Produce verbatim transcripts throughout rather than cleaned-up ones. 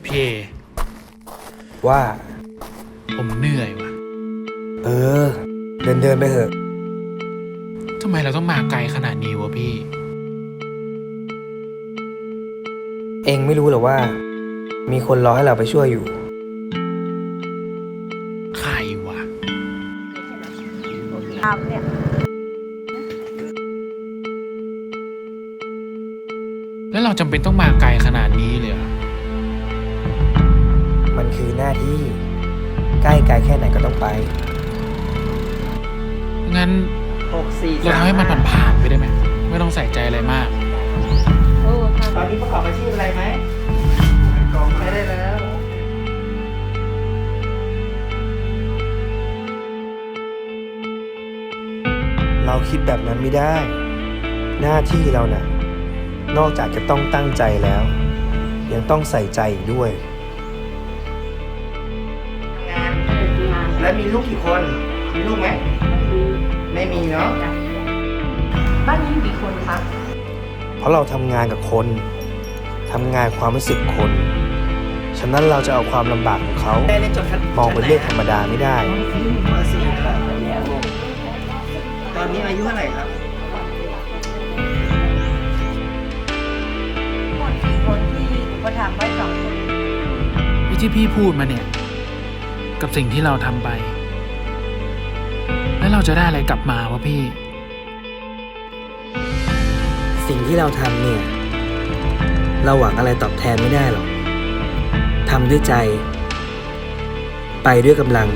พี่ว่าผมเหนื่อยว่ะเออ เดินเดินไปเถอะทำไมเราต้องมาไกลขนาดนี้วะพี่เองไม่รู้หรอว่า มีคนรอให้เราไปช่วยอยู่ใครวะทำเนี่ยแล้วเราจำเป็นต้องมาไกลขนาดนี้เลยเหรอมันคือหน้าที่ ใกล้ไกลแค่ไหนก็ต้องไปงั้นหกสี่เราทำให้มันผ่านๆไปได้ไหม ไม่ต้องใส่ใจอะไรมากโอ้ทตอนนี้ประกอบอาชีพอะไรไหมไม่ได้แล้วเราคิดแบบนั้นไม่ได้ หน้าที่เราน่ะ นอกจากจะต้องตั้งใจแล้ว ยังต้องใส่ใจอีกด้วยงานำงานแล้วมีลูกกี่คน มีลูกไหม ไม่มีเนาะบ้านนี้มีกี่คนคะเพราะเราทำงานกับคน ทำงานความรู้สึกคน ฉะนั้นเราจะเอาความลำบากของเขาได้เรียนจบชั้นมองเป็นเรื่องธรรมดาไม่ได้มสี่ครับตอนนี้อายุเท่าไหร่ครับหมดกี่คนที่อุปถัมภ์ไว้สองคนไอ้ที่พี่พูดมาเนี่ย กับสิ่งที่เราทำไป แล้วเราจะได้อะไรกลับมาวะพี่สิ่งที่เราทำเนี่ย เราหวังอะไรตอบแทนไม่ได้หรอก ทำด้วยใจ ไปด้วยกำลัง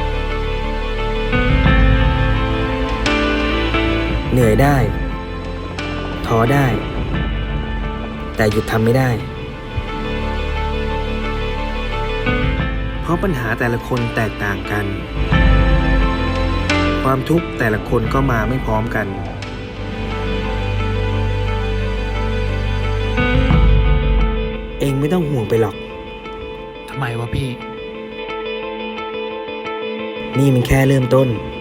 เหนื่อยได้ ท้อได้ แต่หยุดทำไม่ได้ เพราะปัญหาแต่ละคนแตกต่างกัน ความทุกข์แต่ละคนก็มาไม่พร้อมกัน เองไม่ต้องห่วงไปหรอกทำไมวะพี่นี่มันแค่เริ่มต้น